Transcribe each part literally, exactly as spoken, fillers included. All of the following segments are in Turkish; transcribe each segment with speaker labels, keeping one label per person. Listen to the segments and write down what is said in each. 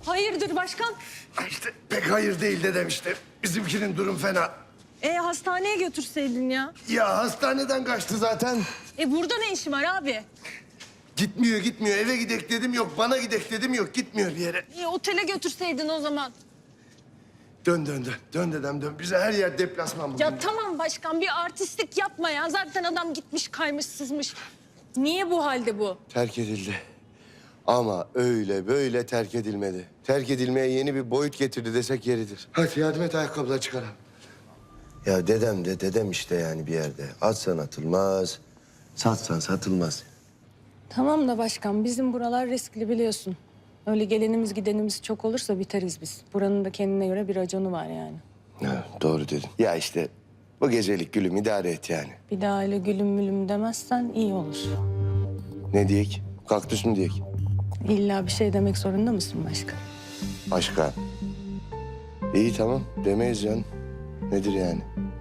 Speaker 1: Hayırdır başkan?
Speaker 2: İşte pek hayır değil de demişti. Bizimkinin durum fena.
Speaker 1: E hastaneye götürseydin ya.
Speaker 2: Ya hastaneden kaçtı zaten.
Speaker 1: E burada ne işin var abi?
Speaker 2: Gitmiyor gitmiyor. Eve gidek dedim yok. Bana gidek dedim yok. Gitmiyor bir yere.
Speaker 1: E otele götürseydin o zaman.
Speaker 2: Dön dön dön. Dön dedem dön. Bize her yer deplasman bugün.
Speaker 1: Ya tamam başkan bir artistlik yapma ya. Zaten adam gitmiş kaymış sızmış. Niye bu halde bu?
Speaker 2: Terk edildi. Ama öyle böyle terk edilmedi. Terk edilmeye yeni bir boyut getirdi desek yeridir. Hadi yardım et ayakkabıları çıkaralım. Ya dedem de dedem işte yani bir yerde. Atsan atılmaz, satsan satılmaz.
Speaker 1: Tamam da başkan bizim buralar riskli biliyorsun. Öyle gelenimiz gidenimiz çok olursa biteriz biz. Buranın da kendine göre bir raconu var yani.
Speaker 2: Ha, doğru dedin. Ya işte bu gecelik gülüm idare et yani.
Speaker 1: Bir daha öyle gülüm mülüm demezsen iyi olur.
Speaker 2: Ne diyek? Kaktüs mü diyek?
Speaker 1: İlla bir şey demek zorunda mısın başkan?
Speaker 2: Başka. İyi tamam demeyiz canım. Nedir yani?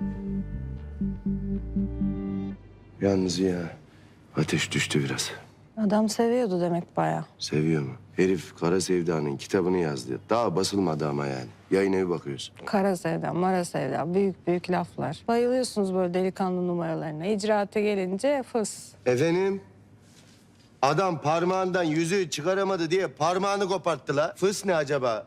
Speaker 2: Yalnız ya ateş düştü biraz.
Speaker 1: Adam seviyordu demek bayağı.
Speaker 2: Seviyor mu? Herif Kara Sevda'nın kitabını yazdı. Daha basılmadı ama yani. Yayın evi bakıyorsun.
Speaker 1: Kara sevda, mara sevda, büyük büyük laflar. Bayılıyorsunuz böyle delikanlı numaralarına. İcraata gelince fıs.
Speaker 2: Efendim? Adam parmağından yüzüğü çıkaramadı diye parmağını koparttı la. Fıs ne acaba?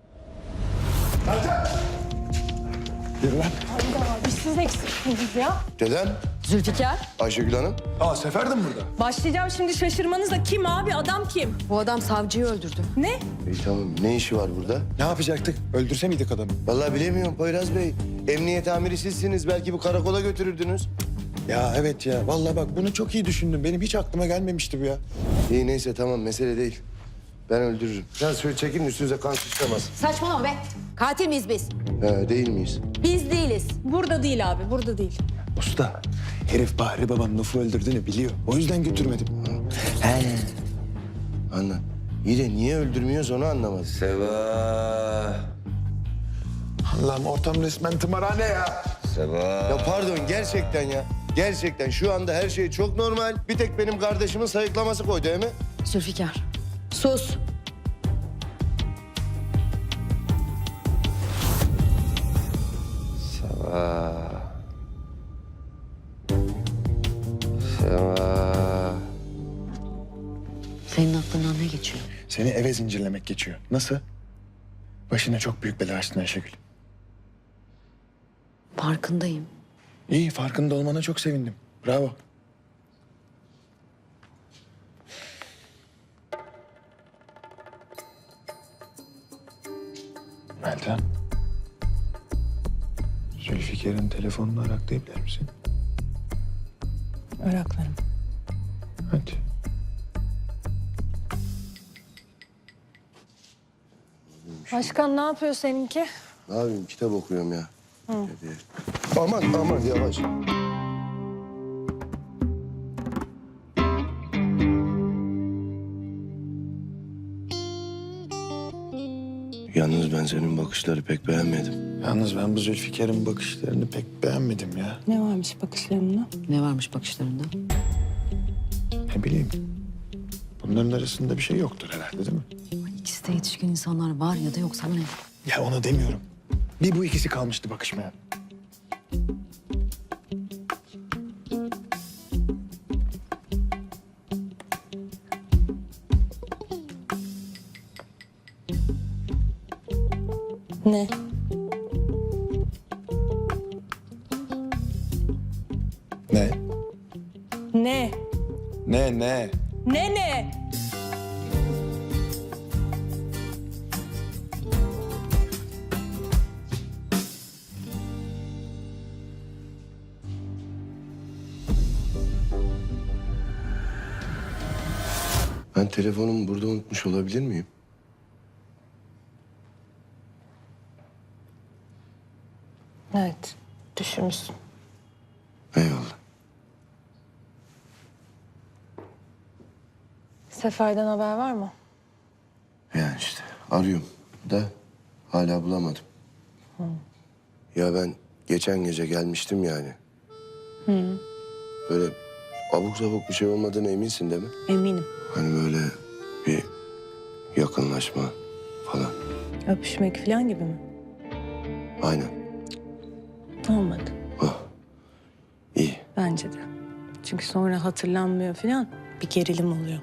Speaker 3: Yürü lan.
Speaker 1: Hayda, biz siz eksiksiniz ya.
Speaker 2: Dedem,
Speaker 1: Zülfikar.
Speaker 2: Ayşegül Hanım.
Speaker 3: Aa Sefer de mi burada?
Speaker 1: Başlayacağım şimdi şaşırmanızla. Kim abi, adam kim?
Speaker 4: Bu adam savcıyı öldürdü.
Speaker 1: Ne?
Speaker 2: İyi tamam. Ne işi var burada?
Speaker 3: Ne yapacaktık? Öldürse miydik adamı?
Speaker 2: Vallahi bilemiyorum Poyraz Bey. Emniyet amiri sizsiniz. Belki bu karakola götürürdünüz.
Speaker 3: Ya evet ya. Vallahi bak bunu çok iyi düşündüm. Benim hiç aklıma gelmemişti bu ya.
Speaker 2: İyi neyse tamam mesele değil. Ben öldürürüm. Biraz şöyle çekin üstünüze kan sıçramaz.
Speaker 4: Saçmalama be. Katil miyiz biz?
Speaker 2: Ha, değil miyiz?
Speaker 4: Biz değiliz.
Speaker 1: Burada değil abi, burada değil.
Speaker 3: Usta, herif Bahri babam Nuf'u öldürdüğünü biliyor. O yüzden götürmedim.
Speaker 2: He. Anla. İyi de niye öldürmüyoruz onu anlamadım.
Speaker 5: Seva.
Speaker 3: Allah'ım ortam resmen tımarhane ya.
Speaker 5: Seva.
Speaker 2: Ya pardon gerçekten ya. Gerçekten şu anda her şey çok normal. Bir tek benim kardeşimin sayıklaması koydu değil mi?
Speaker 4: Zülfikar. Sus.
Speaker 5: Seva. Seva.
Speaker 4: Senin aklından ne geçiyor?
Speaker 3: Seni eve zincirlemek geçiyor. Nasıl? Başına çok büyük bela açtın Ayşegül.
Speaker 4: Farkındayım.
Speaker 3: İyi, farkında olmana çok sevindim. Bravo. Meltem. Zülfikar'ın telefonunu araklayabilir misin?
Speaker 1: Iraklarım.
Speaker 3: Hadi.
Speaker 1: Başkan ne yapıyor seninki?
Speaker 2: Ne yapayım kitap okuyorum ya. Hadi. Aman aman yavaş. Yalnız ben senin bakışları pek beğenmedim.
Speaker 3: Yalnız ben bu Zülfikar'ın bakışlarını pek beğenmedim ya.
Speaker 1: Ne varmış bakışlarımda?
Speaker 4: Ne varmış bakışlarında?
Speaker 3: Ne bileyim. Bunların arasında bir şey yoktur herhalde değil mi?
Speaker 4: İkisi de yetişkin insanlar var ya da yok sana ne?
Speaker 3: Ya onu demiyorum. Bir bu ikisi kalmıştı bakışmaya.
Speaker 1: Ne?
Speaker 3: Ne?
Speaker 1: Ne?
Speaker 3: Ne ne?
Speaker 1: Ne ne?
Speaker 2: Ben telefonumu burada unutmuş olabilir miyim?
Speaker 1: Evet, düşünmüşsün.
Speaker 2: Eyvallah.
Speaker 1: Seferden haber var mı?
Speaker 2: Yani işte arıyorum da hala bulamadım. Ya ben geçen gece gelmiştim yani. Böyle abuk sabuk bir şey olmadığına eminsin değil mi?
Speaker 1: Eminim.
Speaker 2: Hani böyle bir yakınlaşma, falan.
Speaker 1: Öpüşmek falan gibi mi?
Speaker 2: Aynen.
Speaker 1: Olmadı.
Speaker 2: Oh. İyi.
Speaker 1: Bence de. Çünkü sonra hatırlanmıyor falan. Bir gerilim oluyor.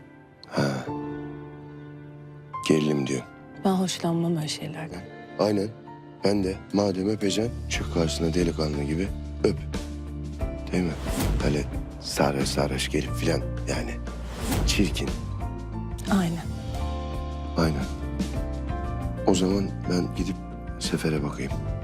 Speaker 2: Gerilim diyor.
Speaker 1: Ben hoşlanmam öyle şeylerden.
Speaker 2: Aynen. Ben de madem öpeceksin çık karşısına delikanlı gibi öp. Değil mi? Öyle sarhoş sarhoş gelip filan yani. Çirkin.
Speaker 1: Aynen.
Speaker 2: Aynen. O zaman ben gidip Sefer'e bakayım.